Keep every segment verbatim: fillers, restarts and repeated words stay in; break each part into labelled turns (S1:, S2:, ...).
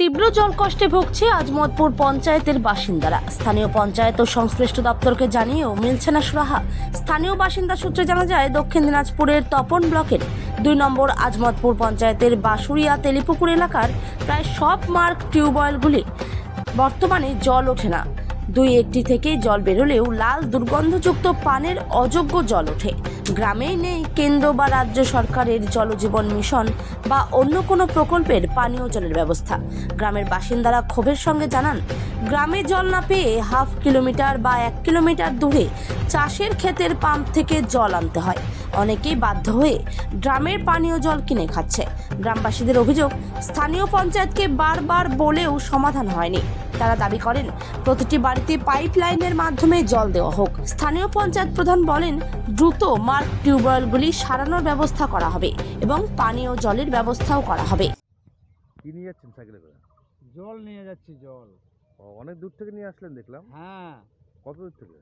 S1: তীব্র জলকষ্টে ভুগছে আজমতপুর পঞ্চায়েতের বাসিন্দারা। স্থানীয় পঞ্চায়েত ও সংশ্লিষ্ট দপ্তরকে জানিয়েও মিলছে না সুরাহা। স্থানীয় বাসিন্দা সূত্রে জানা যায়, দক্ষিণ দিনাজপুরের তপন ব্লকের দুই নম্বর আজমতপুর পঞ্চায়েতের বাসুরিয়া তেলিপুকুর এলাকার প্রায় সব মার্ক টিউবওয়েলগুলি বর্তমানে জল ওঠে না। দুই একটি থেকে জল বেরোলেও লাল দুর্গন্ধযুক্ত পানের অযোগ্য জল ওঠে। গ্রামেই নেই কেন্দ্র বা রাজ্য সরকারের জলজীবন মিশন বা অন্য কোনো প্রকল্পের পানীয় জলের ব্যবস্থা। গ্রামের বাসিন্দারা ক্ষোভের সঙ্গে জানান, গ্রামে জল না পেয়ে হাফ কিলোমিটার বা এক কিলোমিটার দূরে চাষের ক্ষেতের পাম্প থেকে জল আনতে হয়। অনেকেই বাধ্য হয়ে গ্রামের পানীয় জল কিনে খাচ্ছে। গ্রামবাসীদের অভিযোগ, স্থানীয় পঞ্চায়েতকে বারবার বলেও সমাধান হয়নি। তারা দাবি করেন, প্রতিটি বাড়িতে পাইপ লাইনের মাধ্যমে জল দেওয়া হোক। স্থানীয় পঞ্চায়েত প্রধান বলেন, দ্রুত মার্ক টিউবওয়েলগুলি সারানোর ব্যবস্থা করা হবে এবং পানীয় জলের ব্যবস্থাও করা হবে।
S2: কি নিয়ে যাচ্ছেন সাইকেলে করে?
S3: জল নিয়ে যাচ্ছি জল।
S2: ও, অনেক দূর থেকে নিয়ে আসলেন দেখলাম।
S3: হ্যাঁ,
S2: কত দূর থেকে?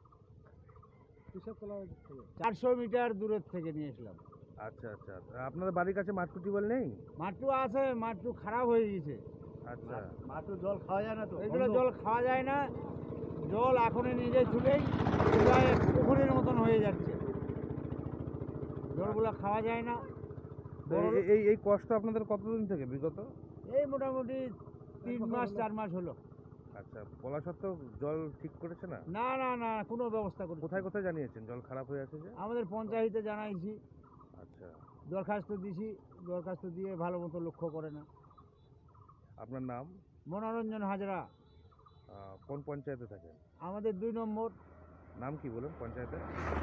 S3: চারশো মিটার দূরের থেকে নিয়ে এসলাম।
S2: আচ্ছা আচ্ছা, আপনাদের বাড়ির কাছে মাটকু টিউবওয়েল নেই?
S3: মাটু আছে, মাটু খারাপ হয়ে গেছে।
S2: আচ্ছা,
S3: মাটু জল খাওয়া যায় না তো, এগুলো জল খাওয়া যায় না। জল এখনই নিজে ছুটেই প্রায় পুকুরের মতন হয়ে যাচ্ছে, জলগুলো খাওয়া যায় না।
S2: তো এই- এই এই কষ্ট আপনাদের কতদিন থেকে বিগত?
S3: এই মোটামুটি তিন মাস চার মাস হলো।
S2: আচ্ছা, বলা সত্ত্বেও জল ঠিক করেছে না?
S3: না না না, কোনো ব্যবস্থা করছে না।
S2: কোথায় কোথায় জানিয়েছেন জল খারাপ হয়ে আছে যে?
S3: আমাদের পঞ্চায়েতে জানাইছি,
S2: আচ্ছা,
S3: দরখাস্ত দিছি, দরখাস্ত দিয়ে ভালো মতো লক্ষ্য করে না।
S2: আপনার নাম?
S3: মনোরঞ্জন হাজরা।
S2: আহ, কোন পঞ্চায়েতে থাকেন?
S3: আমাদের দুই নম্বর
S2: নাম কি বলেন পঞ্চায়েতে?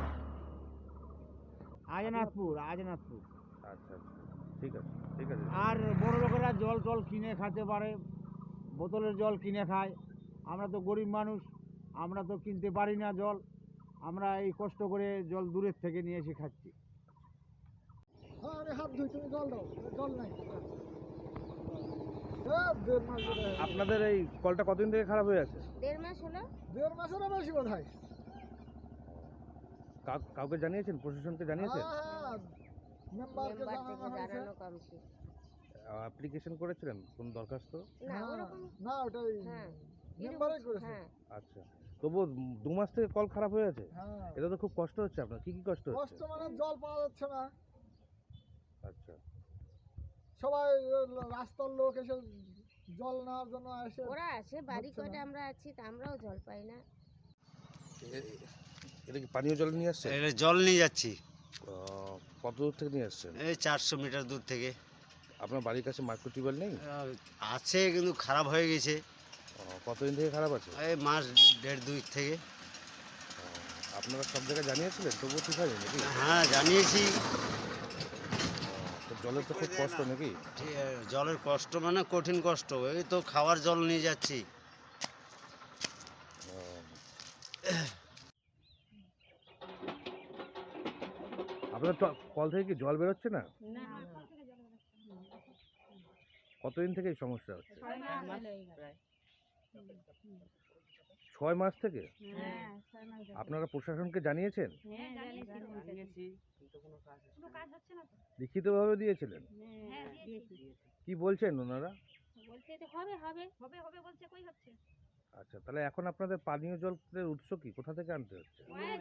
S3: আজনাথপুর। আজনাথপুর।
S2: আচ্ছা আচ্ছা, ঠিক আছে ঠিক আছে।
S3: আর বড় লোকেরা জল টল কিনে খেতে পারে, বোতলের জল কিনে খায়। আমরা তো গরিব মানুষ, আমরা তো কিনতে পারি না জল। আমরা এই কষ্ট করে জল দূরের থেকে নিয়ে এসে খাচ্ছি।
S4: হাত ধুই, তুমি জল দাও, জল নাই।
S2: আপনাদের এই কলটা কতদিন থেকে খারাপ হয়ে আছে?
S5: দেড় মাস হলো।
S4: দেড় মাসেরও বেশি বোধ হয়।
S2: কাউ- কাউকে জানিয়েছেন? প্রশাসনকে জানিয়েছেন?
S4: হ্যাঁ, মেম্বারকে
S5: মেম্বার
S4: জানানো
S5: থেকে
S4: হয়েছে।
S5: জানানো কমছে।
S2: অ্যাপ্লিকেশন করেছিলেন কোন দরখাস্ত?
S5: না
S4: না,
S5: ওরকম।
S4: না, ওটাই
S5: হ্যাঁ,
S4: মেম্বারই
S5: এরকম-
S4: করেছে।
S5: হ্যাঁ,
S2: আচ্ছা, তবু দু মাস থেকে কল খারাপ হয়ে আছে?
S4: হ্যাঁ,
S2: এটা তো খুব কষ্ট হচ্ছে আপনার। কি কি কষ্ট
S4: কষ্ট
S2: হচ্ছে?
S4: মানে জল পাওয়া যাচ্ছে না।
S2: আচ্ছা,
S4: সবাই রাস্তার লোক এসে জল নেওয়ার জন্য এসে
S5: ওরা আছে বাড়ি
S4: হচ্ছে না।
S5: কয়টা, আমরা আছি তা আমরাও জল পাই না।
S2: এ- এটা কি পানীয় জল নিয়ে আসছে?
S6: এটা জল নিয়ে যাচ্ছি
S2: কত দূর থেকে নিয়ে আসছেন?
S6: এই চারশো মিটার দূর থেকে।
S2: আপনার বাড়ির কাছে মাইক্রো টিউবওয়েল নেই?
S6: আহ, আছে কিন্তু খারাপ হয়ে গেছে।
S2: ও, কতদিন থেকে খারাপ আছে?
S6: এই মাস দেড় দুই থেকে।
S2: ও, আপনারা সব জায়গায় জানিয়েছিলেন তবুও ঠিক হয়নি নাকি?
S6: হ্যাঁ জানিয়েছি।
S2: ও, তো জলের তো খুব কষ্ট নাকি?
S6: ঠিক- জলের কষ্ট মানে কঠিন কষ্ট। এই তো খাওয়ার জল নিয়ে যাচ্ছি।
S2: ও, আপনার তো কল থেকে কি জল বেরোচ্ছে না? কতদিন থেকে এই সমস্যা হচ্ছে? ছয় মাস থেকে? আপনারা প্রশাসনকে জানিয়েছেন? লিখিতভাবে দিয়েছিলেন? কি বলছেন ওনারা? আচ্ছা, তাহলে এখন আপনাদের পানীয় জলের উৎস কি? কোথা থেকে আনতে হচ্ছে?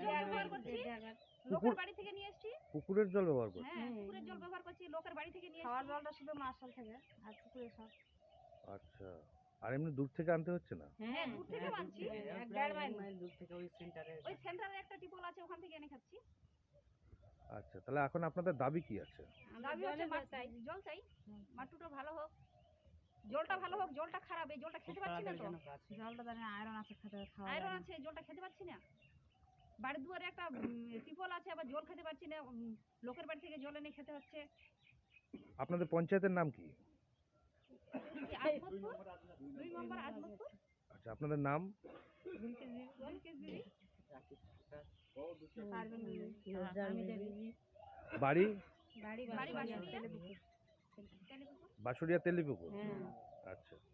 S2: পুকুর
S7: বাড়ি থেকে নিয়ে এসেছি।
S2: পুকুরের জল ব্যবহার করছে?
S7: হ্যাঁ, পুকুরের জল ব্যবহার করছি, লোকের বাড়ি থেকে নিয়ে খাওয়ার জলটা শুধু মার্শাল থেকে আর পুকুরে সব।
S2: আচ্ছা, আর এমনি দূর থেকে আনতে হচ্ছে না?
S7: হ্যাঁ, দূর থেকে আনছি, এক দেড় মাইল দূর থেকে। ওই সেন্টারে ওই সেন্টারে একটা টিপল আছে, ওখান থেকে এনে খাচ্ছি।
S2: আচ্ছা, তাহলে এখন আপনাদের দাবি কি আছে?
S7: দাবি হচ্ছে মাছ চাই, জল চাই, মাটুটা ভালো হোক, জলটা ভালো হোক। জলটা খারাপ, এই জলটা খেতে পাচ্ছি না তো। জলটা জানি আয়রন আছে, খেতে খাওয়া আয়রন আছে, জলটা খেতে পাচ্ছি না। বাড়ির দুয়ারে একটা টিপল আছে, আবার জল খেতে পাচ্ছি না। উম, লোকের বাড়ি থেকে জল এনে খেতে হচ্ছে।
S2: আপনাদের পঞ্চায়েতের নাম কি?
S7: আজমতপুর, দুই নম্বর আজমতপুর।
S2: আচ্ছা, আপনাদের নাম?
S7: জলকেশ দিদি,
S2: বাড়ি?
S7: বাড়ি বাড়ি বাসুরিয়া,
S2: বাসুরিয়া তেলিপুকুর। আচ্ছা।